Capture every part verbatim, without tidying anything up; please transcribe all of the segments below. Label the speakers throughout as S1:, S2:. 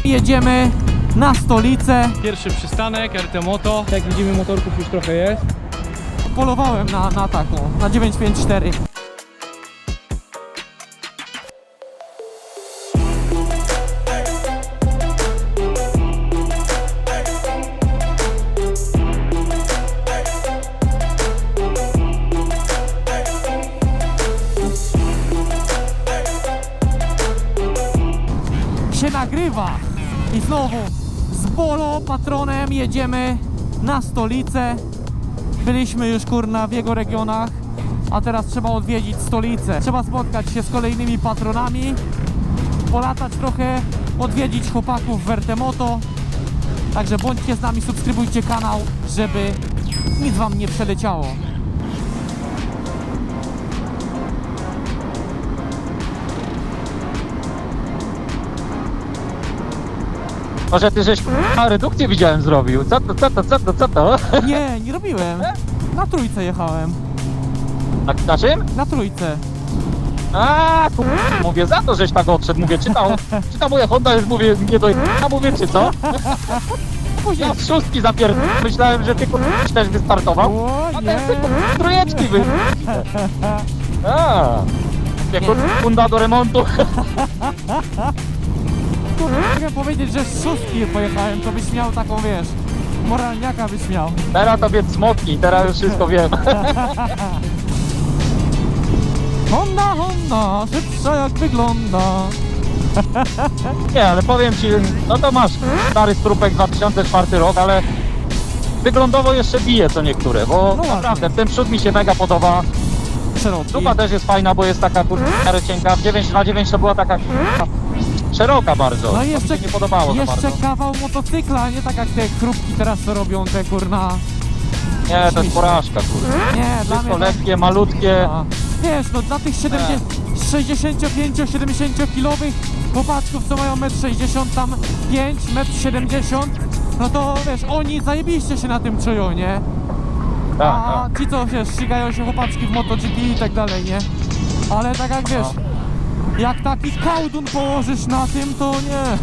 S1: Jedziemy na stolicę.
S2: Pierwszy przystanek, R T Moto. Jak widzimy, motorków już trochę jest.
S1: Polowałem na, na taką, na dziewięć pięć cztery. Się nagrywa i znowu z Bolo patronem jedziemy na stolicę. Byliśmy już kurna w jego regionach, a teraz trzeba odwiedzić stolicę. Trzeba spotkać się z kolejnymi patronami, polatać trochę, odwiedzić chłopaków w R T Moto. Także bądźcie z nami, subskrybujcie kanał, żeby nic wam nie przeleciało.
S3: Może ty żeś a, redukcję widziałem zrobił. Co to, co to, co to, co to?
S1: Nie, nie robiłem. Na trójce jechałem.
S3: Na, na czym?
S1: Na trójce.
S3: A, tu, mówię, za to żeś tak odszedł. Mówię, czytał, czytał moja Honda, już mówię, nie do a mówię, czy co?
S1: Później.
S3: Ja z szóstki zapierd... Myślałem, że ty k***a też wystartował.
S1: O
S3: A
S1: nie.
S3: ten ty k***a trójeczki wy... A, jak Honda do remontu.
S1: Mogę powiedzieć, że z szóstki pojechałem, to byś miał taką, wiesz, moralniaka byś miał.
S3: Teraz tobie smoknij, teraz już wszystko wiem.
S1: Honda, Honda, szybsza jak wygląda.
S3: Nie, ale powiem ci, no to masz stary strupek dwa tysiące czwarty rok, ale wyglądowo jeszcze bije co niektóre, bo
S1: No
S3: naprawdę
S1: ładnie.
S3: ten przód mi się mega podoba.
S1: Szeroki.
S3: Dupa też jest fajna, bo jest taka kurwa cienka. W dziewięć na dziewięć to była taka kurwa szeroka bardzo.
S1: No i
S3: To
S1: jeszcze,
S3: mi się nie podobało za
S1: jeszcze
S3: bardzo.
S1: kawał motocykla, nie tak jak te chrupki teraz co robią, te kurna.
S3: Nie, to jest porażka kurwa.
S1: Nie, dla
S3: Wszystko
S1: mnie to...
S3: lekkie, malutkie.
S1: A, wiesz, no dla tych sześćdziesiąt pięć siedemdziesiąt kilowych chłopaczków, co mają metr sześćdziesiąt tam pięć, metr siedemdziesiąt, no to wiesz, oni zajebiście się na tym czują, nie?
S3: Tak,
S1: A
S3: tak.
S1: ci co, wiesz, ścigają się chłopaczki w MotoGP i tak dalej, nie? Ale tak jak wiesz, jak taki kałdun położysz na tym, to nie.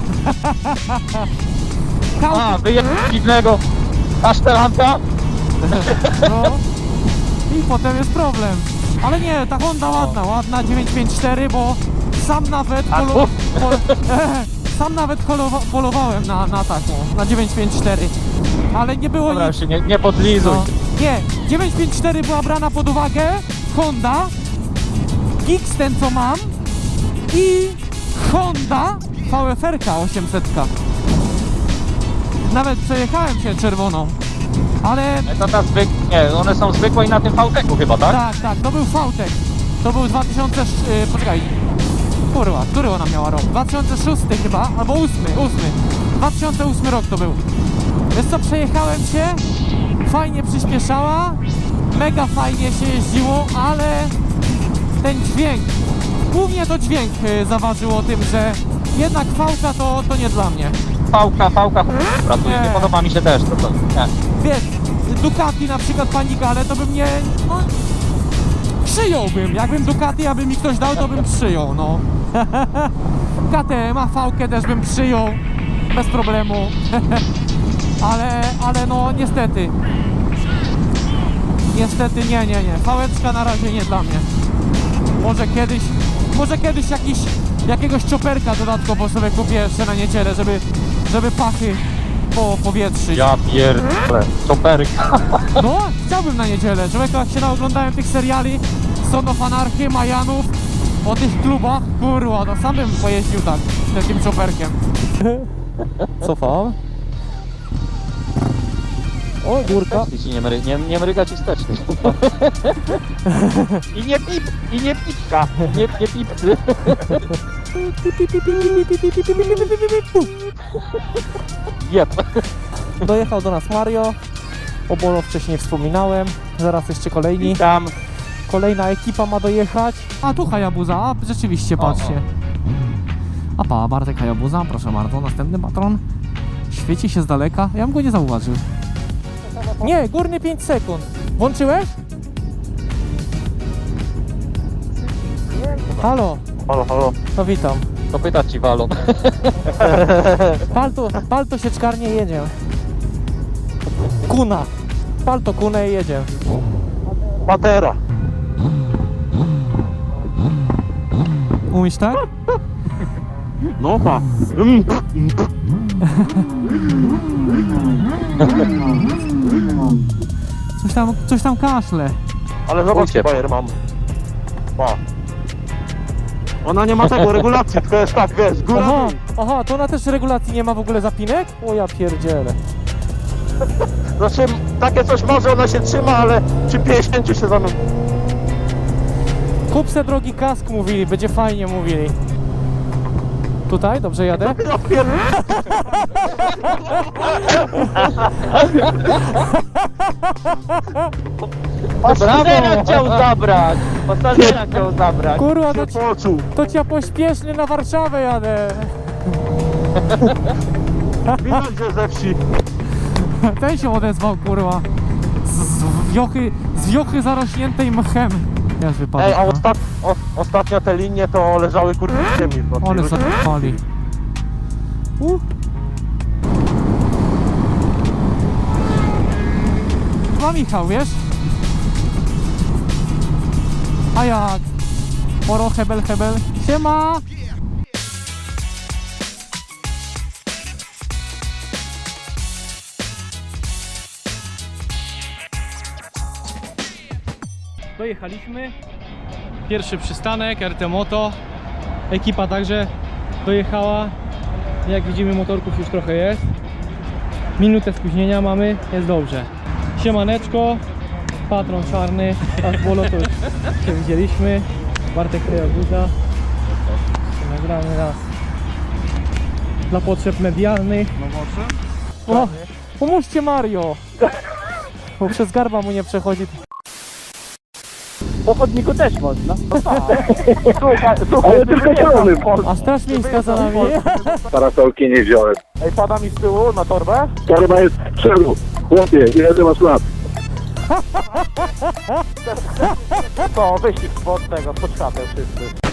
S1: Kałdun,
S3: A, wyjeb dziwnego kasztelanka.
S1: no. I potem jest problem. Ale nie, ta Honda ładna, ładna dziewięć pięć cztery, bo sam nawet
S3: A,
S1: polo, pol, sam nawet polowa, polowałem na, na taką, na dziewięć pięć cztery. Ale nie było
S3: Dobra,
S1: nic.
S3: już się nie, nie podlizuj.
S1: No. Nie, dziewięć pięć cztery była brana pod uwagę, Honda, Gix ten co mam i Honda V F R osiemset. Nawet przejechałem się czerwoną, ale
S3: To ta zwyk... Nie, one są zwykłe i na tym V-teku chyba, tak?
S1: tak, tak, to był V-Tech, to był dwa tysiące, yy, poczekaj, kurwa, który ona miała rok? dwa tysiące szósty chyba, albo ósmy, ósmy, dwa tysiące ósmy rok to był. Wiesz co, przejechałem się, fajnie przyspieszała, mega fajnie się jeździło, ale ten dźwięk, głównie to dźwięk y, zaważył o tym, że jednak V-ka to, to nie dla mnie.
S3: Fałka, fałka, pracuje,
S1: Nie.
S3: nie podoba mi się też to, to nie.
S1: Wiesz, Ducati na przykład Panigale to bym nie, no, przyjąłbym, jakbym Ducati, aby mi ktoś dał, to bym przyjął, no. K T M, a V-kę też bym przyjął, bez problemu. ale, ale no niestety, niestety nie, nie, nie, V-eczka na razie nie dla mnie. Może kiedyś, może kiedyś jakiś, jakiegoś chopperka dodatkowo sobie kupię jeszcze na niedzielę, żeby, żeby pachy po powietrzyć.
S3: Ja pierdolę, czoperka.
S1: No, chciałbym na niedzielę. Człowieku, jak się naoglądałem tych seriali Son of Anarchy, Majanów, o tych klubach, kurwa, to sam bym pojeździł tak, takim chopperkiem. Cofam. O, górka.
S3: Wsteczny ci nie, mry, nie, nie mryga ci wsteczny. I nie pip, i nie pipka, nie, nie pipcy. Jep.
S1: Dojechał do nas Mario. O Bolo wcześniej wspominałem. Zaraz jeszcze kolejni.
S3: Tam.
S1: Kolejna ekipa ma dojechać. A tu Hayabusa, a rzeczywiście, patrzcie. A pa, Bartek Hayabusa, proszę bardzo, następny patron. Świeci się z daleka, ja bym go nie zauważył. Nie, górny pięć sekund. Włączyłeś? Halo,
S3: Halo, halo.
S1: to witam.
S3: Kopyta ci walą.
S1: Palto, palto sieczkarnie jedzie. Kuna. Palto kunę i jedzie.
S4: Patera.
S1: Umiesz tak?
S4: No pa.
S1: Coś tam, coś tam kaszle.
S4: Ale zobacz,
S3: Ujcie.
S4: bajer mam. Pa. Ona nie ma tego regulacji, tylko jest tak, wiesz, góra
S1: Aha,
S4: dół.
S1: aha, to ona też regulacji nie ma w ogóle zapinek? O ja pierdzielę.
S4: Znaczy, takie coś może, ona się trzyma, ale przy pięćdziesięciu się zamyka.
S1: Kup se drogi kask mówili, będzie fajnie mówili. Tutaj, dobrze jadę?
S4: Ja pier...
S3: Pasażera chciał zabrać! Pasażera chciał zabrać!
S1: Kurwa, to,
S4: się
S1: ci,
S4: poczuł.
S1: to ci ja pośpiesznie na Warszawę jadę.
S4: Widać, że ze wsi.
S1: Ten się odezwał, kurwa. Z, z wiochy, z wiochy zarośniętej mchem. Jest wypadek,
S4: Ej, a
S1: no.
S4: ostat... o, ostatnio te linie to leżały kurde w ziemi. w nocy.
S1: One zapali. Uh. Ma Michał, wiesz? A jak? Poro hebel hebel. Siema!
S2: Dojechaliśmy. Pierwszy przystanek, R T Moto. Ekipa także dojechała. Jak widzimy, motorków już trochę jest. Minutę spóźnienia mamy, jest dobrze. Siemaneczko, patron czarny, a z bolo to już się widzieliśmy. Bartek Krajoguza. Nagramy raz dla potrzeb medialnych. O, pomóżcie Mario! Bo przez garba mu nie przechodzi.
S3: Po chodniku też można.
S4: Słuchaj, słuchaj, tylko zielony.
S1: A straż miejska za nami.
S5: Parasolki nie wziąłem.
S4: Ej, pada mi z tyłu na torbę?
S5: Torba jest z przodu. Chłopie, ile ty masz lat?
S4: To wyścig spod tego, pod szatę wszyscy.